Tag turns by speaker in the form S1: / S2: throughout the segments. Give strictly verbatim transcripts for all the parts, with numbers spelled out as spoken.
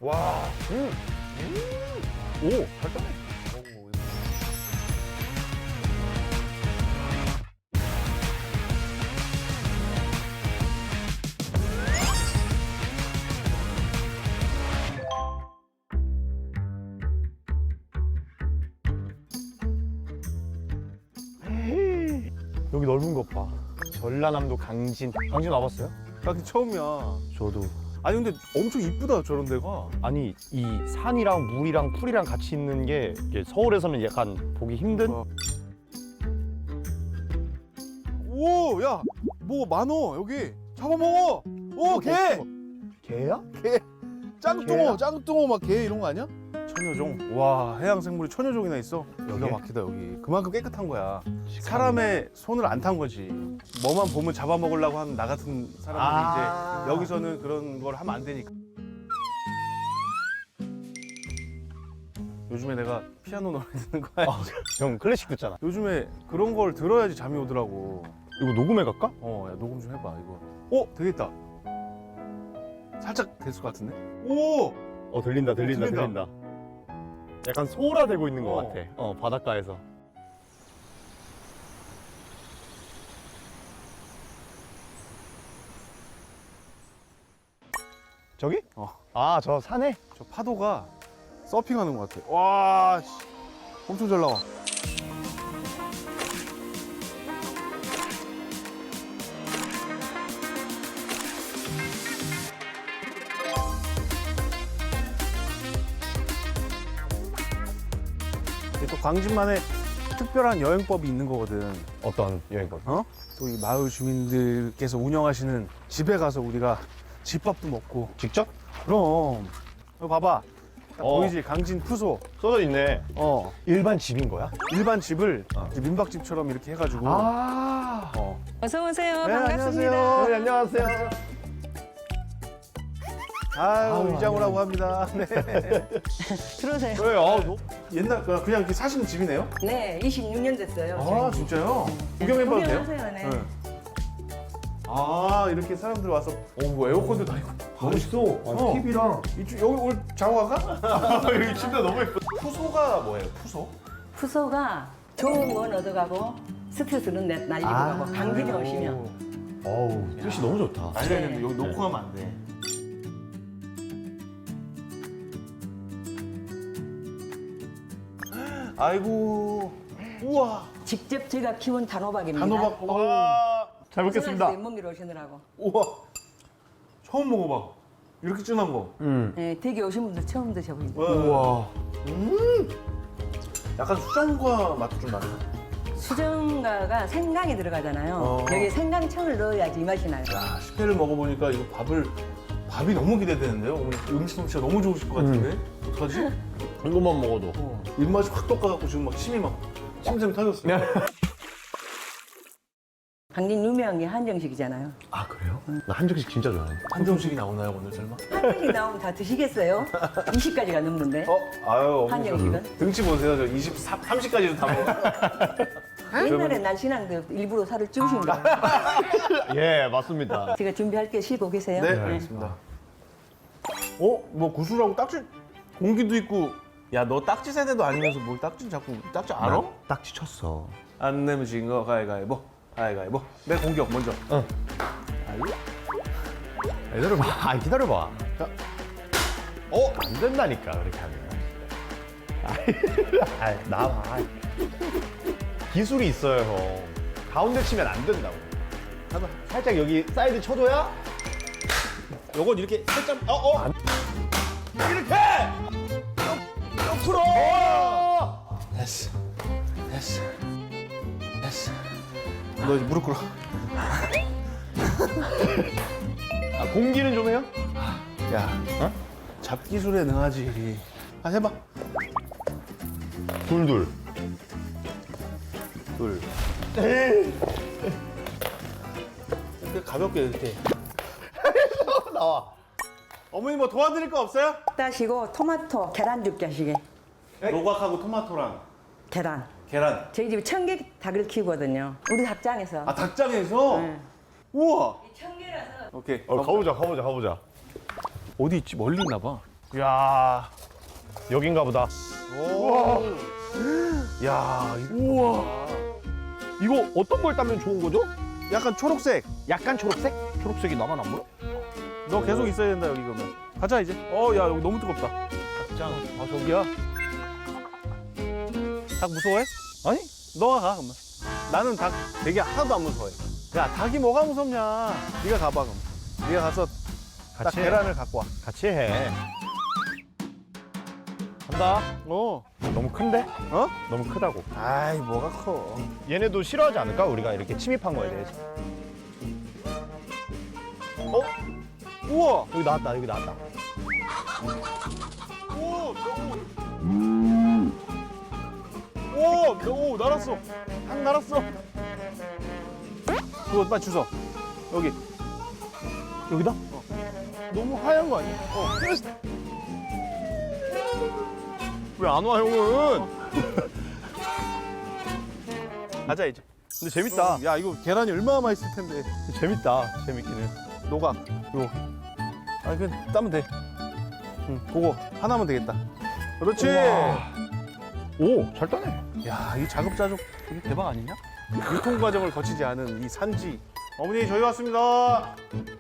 S1: 와. 음. 음. 오, 잘 따네. 여기 넓은 것 봐. 전라남도 강진. 강진 와봤어요?
S2: 나 처음이야.
S1: 저도.
S2: 아니 근데 엄청 이쁘다 저런 데가.
S1: 아니 이 산이랑 물이랑 풀이랑 같이 있는 게 이게 서울에서는 약간 보기 힘든.
S2: 어. 오, 야, 뭐 많어 여기. 잡아먹어. 오, 개.
S1: 개야?
S2: 개. 짱뚱어,
S1: 개야?
S2: 짱뚱어 막 개 이런 거 아니야? 천여종. 와, 해양 생물이 천여종이나 있어. 기가
S1: 여기?
S2: 막히다 여기. 그만큼 깨끗한 거야. 사람의 손을 안 탄 거지. 뭐만 보면 잡아먹으려고 하는 나 같은 사람들이
S1: 아.
S2: 이제 여기서는 그런 걸 하면 안 되니까. 요즘에 내가 피아노 노래 듣는 거야.
S1: 아, 형 클래식 듣잖아.
S2: 요즘에 그런 걸 들어야지 잠이 오더라고.
S1: 이거 녹음해 갈까?
S2: 어, 야, 녹음 좀 해봐 이거. 어, 되겠다. 살짝 됐을 것 같은데? 오!
S1: 어 들린다 들린다
S2: 들린다.
S1: 들린다. 약간 소라되고 있는 것
S2: 어.
S1: 같아. 어 바닷가에서. 저기?
S2: 어.
S1: 아 저 산에?
S2: 저 파도가 서핑하는 것 같아. 와, 씨. 엄청 잘 나와. 이게 또 광진만의 특별한 여행법이 있는 거거든.
S1: 어떤 여행법?
S2: 어? 또 이 마을 주민들께서 운영하시는 집에 가서 우리가 집밥도 먹고.
S1: 직접?
S2: 그럼. 이거 봐봐. 딱
S1: 어.
S2: 보이지? 강진 푸소.
S1: 써져 있네.
S2: 어.
S1: 일반 집인 거야?
S2: 일반 집을
S1: 어.
S2: 이제 민박집처럼 이렇게 해가지고.
S1: 아.
S2: 어.
S3: 어서 오세요.
S2: 네,
S3: 반갑습니다.
S2: 안녕하세요.
S1: 네, 안녕하세요.
S2: 아유,
S1: 아유,
S2: 이장우라고 합니다. 네.
S3: 들어오세요.
S1: 그래, 아, 너.
S2: 옛날 그냥 그냥 이렇게 사시는 집이네요?
S3: 네, 이십육 년 됐어요.
S2: 아, 진짜요? 구경해봐도 돼요?
S3: 구경하세요. 네.
S2: 네. 아, 이렇게 사람들 와서 어, 뭐 에어컨도 다 있고.
S1: 멋있어.
S2: 어.
S1: 티비랑.
S2: 이쪽 여기 오늘 자고 가가?
S1: 여기 침대 너무 예뻐.
S2: 푸소가 뭐예요? 푸소?
S3: 푸소가 좋은 건 얻어가고 스트레스는 내- 날리고
S1: 아.
S3: 가고 강진에 오시면
S1: 어우, 뜻이 너무 좋다.
S2: 알려야
S3: 네.
S2: 되는데 여기 놓고 가면 안 돼. 아이고, 우와,
S3: 직접 제가 키운 단호박입니다.
S2: 단호박. 와,
S1: 잘 먹겠습니다.
S3: 몸미로 오시느라고.
S2: 우와, 처음 먹어봐. 이렇게 진한 거.
S1: 음.
S3: 네, 댁에 오신 분들 처음 드셔보니다.
S2: 우와. 음. 약간 수정과 맛도 좀 나네.
S3: 수정가가 생강이 들어가잖아요.
S2: 어.
S3: 여기 생강청을 넣어야지 이 맛이 나요.
S2: 야, 식혜를 먹어보니까 이거 밥을 밥이 너무 기대되는데요. 어머니 음식 솜씨가 너무 좋으실 것 같은데. 어떡하지?
S1: 이것만 먹어도.
S2: 어. 입맛이 확 돋아갖고 지금 막 침이 막 침샘 터졌어. 요
S3: 강진 유명한 게 한정식이잖아요.
S1: 아, 그래요? 나 한정식 진짜 좋아해.
S2: 한정식이 나오나요 오늘 설마?
S3: 한정식 나오면 다 드시겠어요? 이십 가지가 넘는데.
S2: 어, 아유, 어머니
S3: 한정식은?
S2: 저 등치 보세요. 저 이십삼, 삼십까지도 다 먹어.
S3: 옛날에 날씬한데 일부러 살을 찌우신 거예요.
S1: 예, 맞습니다.
S3: 제가 준비할 게 쉬고 계세요.
S2: 네, 알겠습니다. 어? 뭐 구슬하고 딱지 공기도 있고. 야, 너 딱지 세대도 아니면서 뭘 딱지 자꾸 딱지 알아?
S1: 딱지 쳤어.
S2: 안 내면 진 거 가위가위보. 가위가위보. 내 공격 먼저.
S1: 응.
S2: 아이.
S1: 기다려봐. 아, 기다려봐.
S2: 자.
S1: 어? 안 된다니까, 그렇게 하면. 아이, 나와. 아이. 기술이 있어요, 형. 가운데 치면 안 된다고.
S2: 해봐.
S1: 살짝 여기 사이드 쳐줘야?
S2: 요건 이렇게 살짝 어 어.
S1: 안-
S2: 이렇게.
S1: 옆으로! 어!
S2: 됐어. 됐어. 됐어. 너 이제 무릎 꿇어.
S1: 아, 공기는 좀 해요?
S2: 야,
S1: 어?
S2: 잡기술에 능하지. 아, 해봐.
S1: 둘둘.
S2: 둘. 이렇게 가볍게 이렇게.
S1: 나와.
S2: 어머니 뭐 도와드릴 거 없어요?
S3: 따시고 토마토 계란 죽게 하시게.
S2: 노각하고 토마토랑
S3: 계란.
S2: 계란.
S3: 저희 집에 청개 닭을 키우거든요. 우리 닭장에서.
S2: 아, 닭장에서?
S3: 네.
S2: 우와.
S3: 청개라서
S2: 오케이.
S1: 어, 가보자, 가보자, 가보자.
S2: 어디 있지? 멀리 있나 봐. 야,
S1: 여긴가 보다.
S2: 우와. 야, 우와.
S1: 이거 어떤 걸 따면 좋은 거죠?
S2: 약간 초록색.
S1: 약간 초록색? 초록색이 나만 안 보여?
S2: 너 계속 있어야 된다 여기 그러면. 가자 이제. 어, 야 여기 너무 뜨겁다.
S1: 닭장. 아 저기야?
S2: 닭 무서워해?
S1: 아니?
S2: 너가 가 그러면. 나는 닭 되게 하나도 안 무서워해. 야, 닭이 뭐가 무섭냐? 네가 가봐 그럼. 네가 가서 딱
S1: 같이 해.
S2: 계란을 갖고 와.
S1: 같이 해. 간다.
S2: 어.
S1: 너무 큰데?
S2: 어?
S1: 너무 크다고.
S2: 아이 뭐가 커.
S1: 얘네도 싫어하지 않을까? 우리가 이렇게 침입한 거에 대해서. 어?
S2: 우와.
S1: 여기 나왔다. 여기 나왔다.
S2: 오, 오, 오, 날았어. 닭 날았어. 그거 빨리 주워. 여기.
S1: 여기다?
S2: 너무 하얀 거 아니야? 어.
S1: 왜 안 와, 형은?
S2: 가자 이제.
S1: 근데 재밌다.
S2: 야, 이거 계란이 얼마나 맛있을 텐데.
S1: 재밌다. 재밌기는.
S2: 노각. 요. 아, 그냥 따면 돼. 응, 그거 하나면 되겠다. 그렇지.
S1: 우와. 오, 잘 따네.
S2: 야, 이 자급자족 되게 대박 아니냐? 유통 과정을 거치지 않은 이 산지. 어머니, 저희 왔습니다.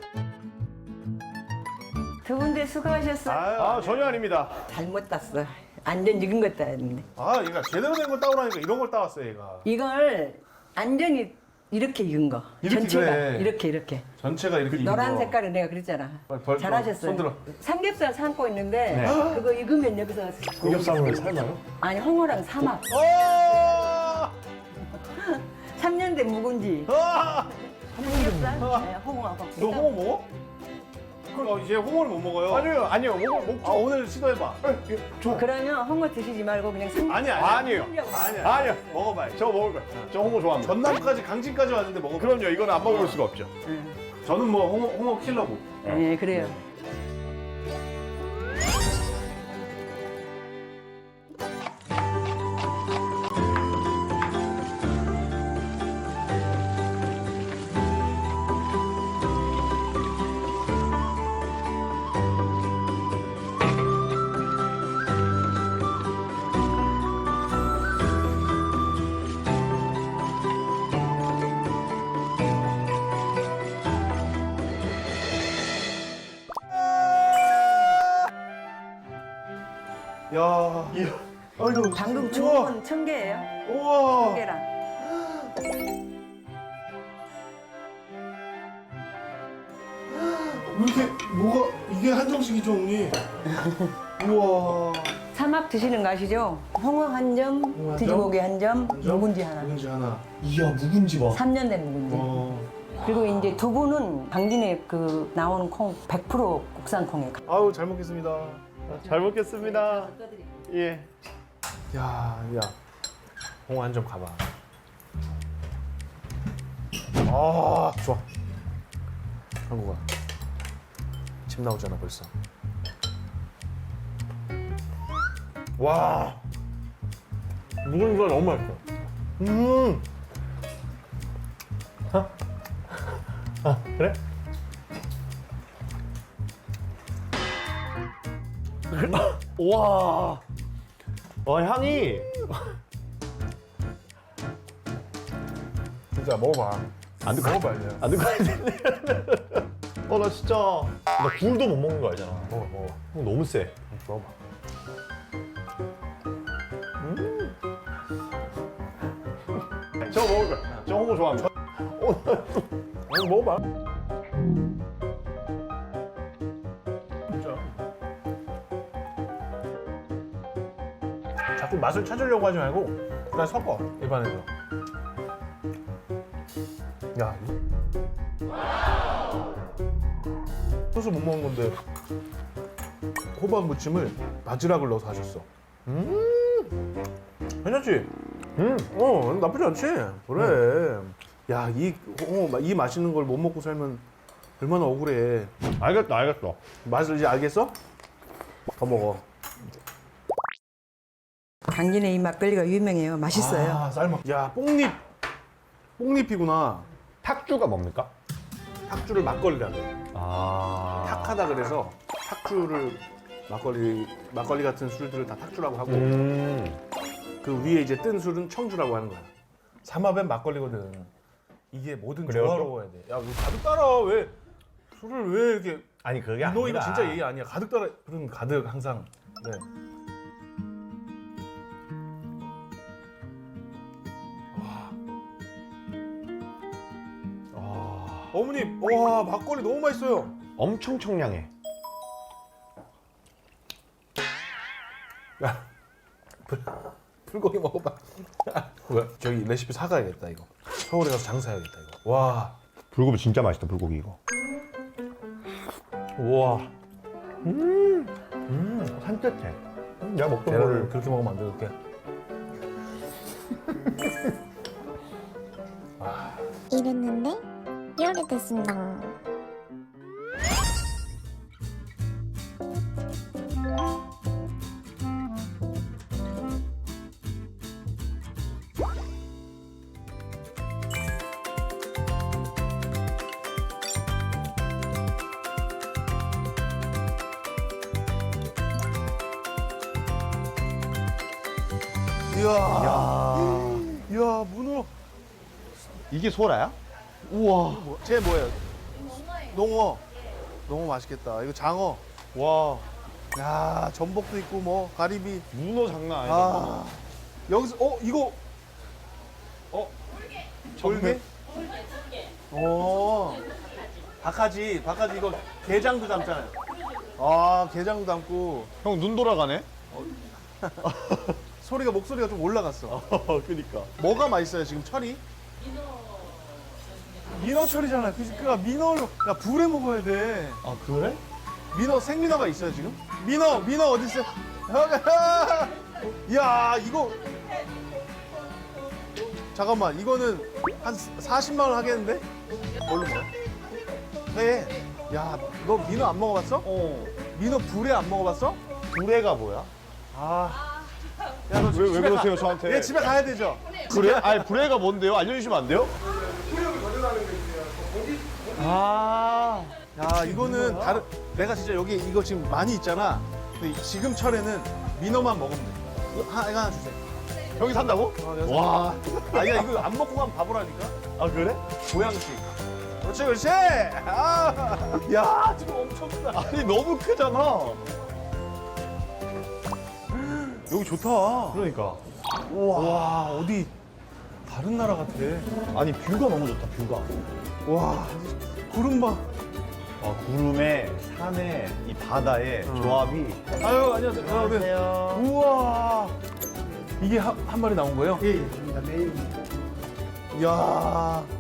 S3: 두 분들 수고하셨어요.
S1: 아, 전혀 아닙니다.
S3: 잘못 땄어. 완전 익은 것 따였는데.
S2: 아, 얘가 제대로 된 걸 따오라니까 이런 걸 따왔어요, 얘가.
S3: 이걸 완전히 이렇게 익은 거.
S2: 이렇게
S3: 전체가
S2: 그래.
S3: 이렇게 이렇게.
S2: 전체가 이렇게 익은
S3: 노란
S2: 거.
S3: 색깔은 내가 그랬잖아.
S2: 빨리 벌-
S3: 잘하셨어요.
S2: 손 들어.
S3: 삼겹살 삶고 있는데
S1: 네.
S3: 그거 익으면 여기서
S1: 삼겹살을 삶아요?
S3: 아니 홍어랑 삼합.
S2: 어!
S3: 삼 년 된 묵은지.
S2: 아!
S3: 삼겹살, 네, 홍어하고.
S2: 너 홍어 먹어? 그럼 이제 홍어를 못 먹어요.
S1: 아니요, 아니요. 먹, 먹,
S2: 아, 오늘 시도해봐.
S3: 그러면 홍어 드시지 말고 그냥 삼.
S2: 아니, 아니.
S1: 아니에요.
S2: 아니야.
S1: 아니요.
S2: 먹어봐요.
S1: 저 먹을 거예요. 저 홍어 좋아합니다.
S2: 전남까지 강진까지 왔는데 먹어.
S1: 그럼요. 이건 안 먹을 수가 없죠.
S3: 응.
S2: 저는 뭐 홍어, 홍어 킬러고.
S3: 네, 그래요.
S2: 야, 아이고.
S3: 방금
S2: 우와.
S3: 주운 건 청개예요.
S2: 우와.
S3: 청개랑.
S2: 왜 이렇게 뭐가 이게 한정식이죠, 언니? 우와.
S3: 삼합 드시는 거 아시죠? 홍어 한 점,
S2: 점?
S3: 돼지고기 한 점, 묵은지 하나.
S2: 묵은지 하나.
S1: 이야, 묵은지 봐.
S3: 삼 년 된 묵은지.
S2: 어.
S3: 그리고 이제 두부는 강진에 그 나오는 콩 백 퍼센트 국산 콩에.
S2: 아유, 잘 먹겠습니다.
S1: 잘 먹겠습니다. 예.
S2: 야, 야. 홍어 한 점 가봐. 아, 좋아. 한국아. 침 나오잖아, 벌써. 와. 묵은지가 너무 맛있어.
S1: 음. 아, 그래? 와. 와, 향이.
S2: 진짜 먹어봐.
S1: 안 듣고
S2: 먹어봐야 돼.
S1: 안 듣고 있는데. 어, 나 진짜. 나 굴도 못 먹는 거 알잖아.
S2: 먹어, 먹어.
S1: 형 너무 세.
S2: 먹어봐.
S1: 저 먹을 거야. 저 홍어 좋아합니다.
S2: 아니, 먹어봐. 진짜. 자꾸 맛을 찾으려고 하지 말고 그냥 섞어, 입안에서. 야. 소스 못 먹는 건데 호박 무침을 바지락을 넣어서 하셨어. 음. 괜찮지?
S1: 음.
S2: 어, 나쁘지 않지? 그래. 야, 이, 어, 이 맛있는 걸 못 먹고 살면 얼마나 억울해.
S1: 알겠다, 알겠어.
S2: 맛을 이제 알겠어? 더 먹어.
S3: 강진의 이 막걸리가 유명해요. 맛있어요.
S2: 아, 쌀먹. 야, 뽕잎. 뽕잎이구나.
S1: 탁주가 뭡니까?
S2: 탁주를 막걸리라고 해.
S1: 아.
S2: 탁하다 그래서 탁주를 막걸리 막걸리 같은 술들을 다 탁주라고 하고
S1: 음.
S2: 그 위에 이제 뜬 술은 청주라고 하는 거야. 삼합엔 막걸리거든. 이게 뭐든
S1: 그래요,
S2: 조화로워야 돼. 야, 너 가득 따라. 왜 술을 왜 이렇게
S1: 아니 그게
S2: 너 이거
S1: 아니라.
S2: 진짜 예의 아니야. 가득 따라. 그런 가득 항상. 네.
S1: 아,
S2: 어머님, 와 막걸리 너무 맛있어요.
S1: 엄청 청량해.
S2: 야, 불, 불고기 먹어봐. 뭐야? 저기 레시피 사가야겠다 이거. 서울에 가서 장사해야겠다 이거. 와,
S1: 불고기 진짜 맛있다 불고기 이거. 우와. 음. 음. 산뜻해. 음, 내가 먹던
S2: 계란을
S1: 거를.
S2: 그렇게 먹으면 안 돼, 그렇게.
S4: 이랬는데 이렇게 됐습니다.
S2: 이야,
S1: 야.
S2: 이야 문어.
S1: 이게 소라야? 우와.
S2: 뭐, 쟤 뭐예요? 농어. 농어 맛있겠다. 이거 장어.
S1: 와.
S2: 야, 전복도 있고 뭐 가리비.
S1: 문어 장난 아니다.
S2: 아, 여기서 어 이거 어 졸개? 어. 박하지, 박하지 이거 게장도 담잖아요. 아, 게장도 담고
S1: 형 눈 돌아가네.
S2: 소리가 목소리가 좀 올라갔어.
S1: 그니까.
S2: 뭐가 맛있어요 지금 철이? 민어 철이잖아. 그니까 민어를 야 불에 먹어야 돼.
S1: 아 그래?
S2: 민어 생민어가 있어요 지금? 민어 민어 어디 있어? 야 이거 잠깐만 이거는 한 사십만 원 하겠는데? 뭘로 먹어? 회. 야너 민어 안 먹어봤어?
S1: 어.
S2: 민어 불에 안 먹어봤어?
S1: 불애가 뭐야?
S2: 아. 야너
S1: 왜, 왜 그러세요 저한테?
S2: 얘 집에 가야 되죠?
S1: 불애? 아니 불애가 뭔데요? 알려주시면 안 돼요? 아.
S2: 야 이거는 다른 내가 진짜 여기 이거 지금 많이 있잖아. 근데 지금 철에는 민어만 먹으면 돼. 이거 하나, 이거 하나 주세요.
S1: 형이 산다고?
S2: 어, 내가
S1: 와.
S2: 아니야 이거 안 먹고 가면 바보라니까.
S1: 아 그래?
S2: 보양식. 그렇지 그렇지. 아, 야 지금 엄청 크다.
S1: 아니 너무 크잖아.
S2: 여기 좋다.
S1: 그러니까.
S2: 우와. 와 어디 다른 나라 같아.
S1: 아니 뷰가 너무 좋다 뷰가.
S2: 와 구름 봐.
S1: 아, 구름에 산에 이 바다의 조합이.
S2: 아유 안녕하세요. 아, 네. 우와. 이게 한, 한 마리 나온 거예요? 예, 예. 매일. 이야.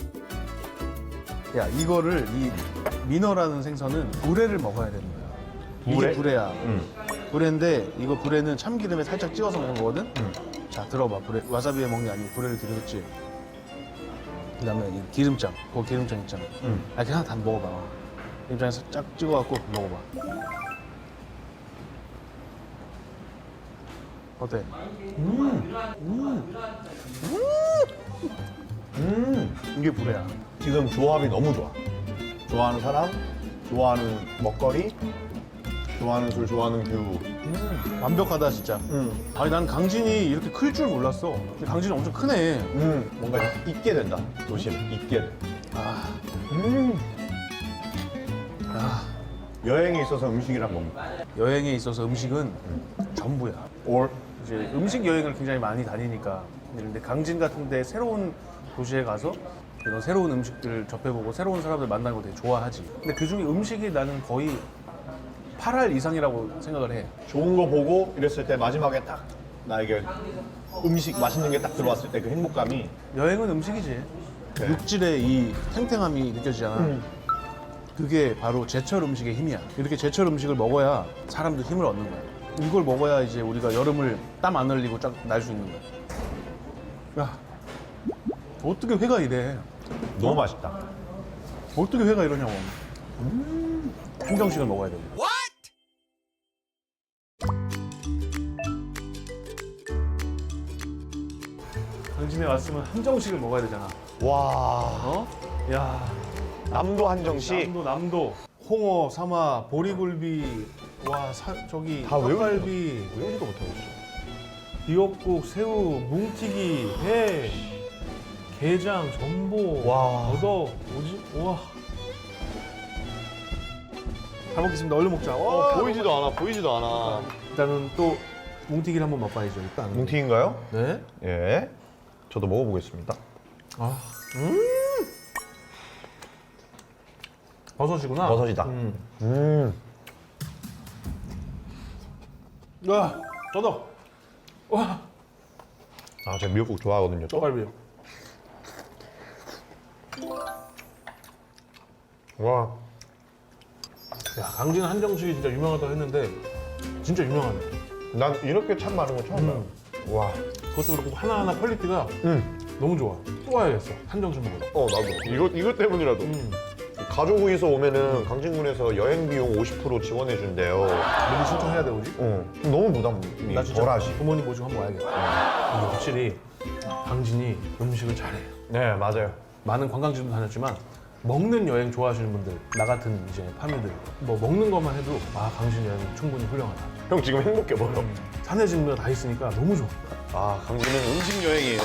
S2: 야, 이거를 이 민어라는 생선은 불회를 먹어야 되는 거야.
S1: 불회?
S2: 이게 불회야.
S1: 응.
S2: 불회인데 이거 불회는 참기름에 살짝 찍어서 먹는 거거든.
S1: 응.
S2: 자, 들어봐. 불회. 와사비에 먹는 게 아니고 불회를 들었지. 그다음에 이 기름장. 그거 기름장 있잖아.
S1: 응.
S2: 아, 그냥 다 먹어봐. 기름장에서 쫙 찍어갖고 먹어봐. 어때?
S1: 음.
S2: 이게 불회야.
S1: 지금 조합이 너무 좋아. 좋아하는 사람, 좋아하는 먹거리, 좋아하는 술, 좋아하는 뷰.
S2: 완벽하다 진짜.
S1: 음.
S2: 아니 난 강진이 이렇게 클 줄 몰랐어. 근데 강진이 엄청 크네.
S1: 음. 뭔가 잊게 된다. 도시를 잊게 돼.
S2: 아,
S1: 음.
S2: 아,
S1: 여행에 있어서 음식이란 뭡니까?
S2: 여행에 있어서 음식은 전부야.
S1: 올.
S2: 이제 음식 여행을 굉장히 많이 다니니까. 근데 강진 같은데 새로운 도시에 가서 이런 새로운 음식들을 접해보고 새로운 사람들 만나는 거 되게 좋아하지. 근데 그 중에 음식이 나는 거의 팔 할 이상이라고 생각을 해.
S1: 좋은 거 보고 이랬을 때 마지막에 딱 나에게 음식 맛있는 게 딱 들어왔을 때 그 행복감이.
S2: 여행은 음식이지.
S1: 네.
S2: 육질의 이 탱탱함이 느껴지잖아.
S1: 음.
S2: 그게 바로 제철 음식의 힘이야. 이렇게 제철 음식을 먹어야 사람도 힘을 얻는 거야. 이걸 먹어야 이제 우리가 여름을 땀 안 흘리고 쫙 날 수 있는 거야. 야, 어떻게 회가 이래?
S1: 너무 맛있다.
S2: 어떻게 회가 이러냐고. 음, 한정식을 먹어야 돼. 강진에 왔으면 한정식을 먹어야 되잖아.
S1: 와.
S2: 어? 야,
S1: 남도 한정식.
S2: 남도 남도. 홍어, 사마, 보리굴비, 와 사, 저기
S1: 다 외우지도
S2: 떡갈비,
S1: 외우지도 못하겠어.
S2: 미역국, 새우, 뭉티기, 회, 게장, 전복,
S1: 와.
S2: 더덕, 뭐지? 우와. 잘 먹겠습니다. 얼른 먹자.
S1: 어,
S2: 와,
S1: 보이지도 않아, 보이지도 않아.
S2: 일단은 또 뭉티기를 한번 맛봐야죠. 일단.
S1: 뭉티인가요?
S2: 네.
S1: 예. 저도 먹어보겠습니다.
S2: 아, 음. 버섯이구나.
S1: 버섯이다.
S2: 음.
S1: 음.
S2: 와, 더덕. 와,
S1: 아, 제가 미역국 좋아하거든요. 또.
S2: 떡갈비.
S1: 와.
S2: 야, 강진 한정식이 진짜 유명하다고 했는데 진짜 유명하네.
S1: 난 이렇게 참 많은 거 처음 봐요. 와.
S2: 그것도 그렇고 하나하나 퀄리티가
S1: 음.
S2: 너무 좋아. 또 와야겠어. 한정식 먹으러.
S1: 어, 나도. 이거, 이것 때문이라도.
S2: 음.
S1: 가족이서 오면은 강진군에서 여행 비용 오십 퍼센트 지원해준대요.
S2: 미리 신청해야 돼, 오지?
S1: 어. 너무 부담이
S2: 나 진짜
S1: 덜하지.
S2: 부모님 모시고 한번 와야겠다. 이게 확실히 강진이 음식을 잘해.
S1: 네, 맞아요.
S2: 많은 관광지도 다녔지만 먹는 여행 좋아하시는 분들, 나 같은 이제 파미들 뭐 먹는 것만 해도 아 강진 여행 충분히 훌륭하다.
S1: 형 지금 행복해 보여.
S2: 산에 집는 다 있으니까 너무 좋아.
S1: 아, 강진은 음식 여행이에요.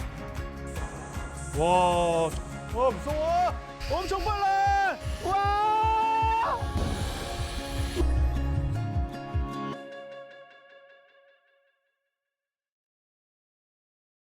S2: 와, 와 무서워. 엄청 빨라. 와.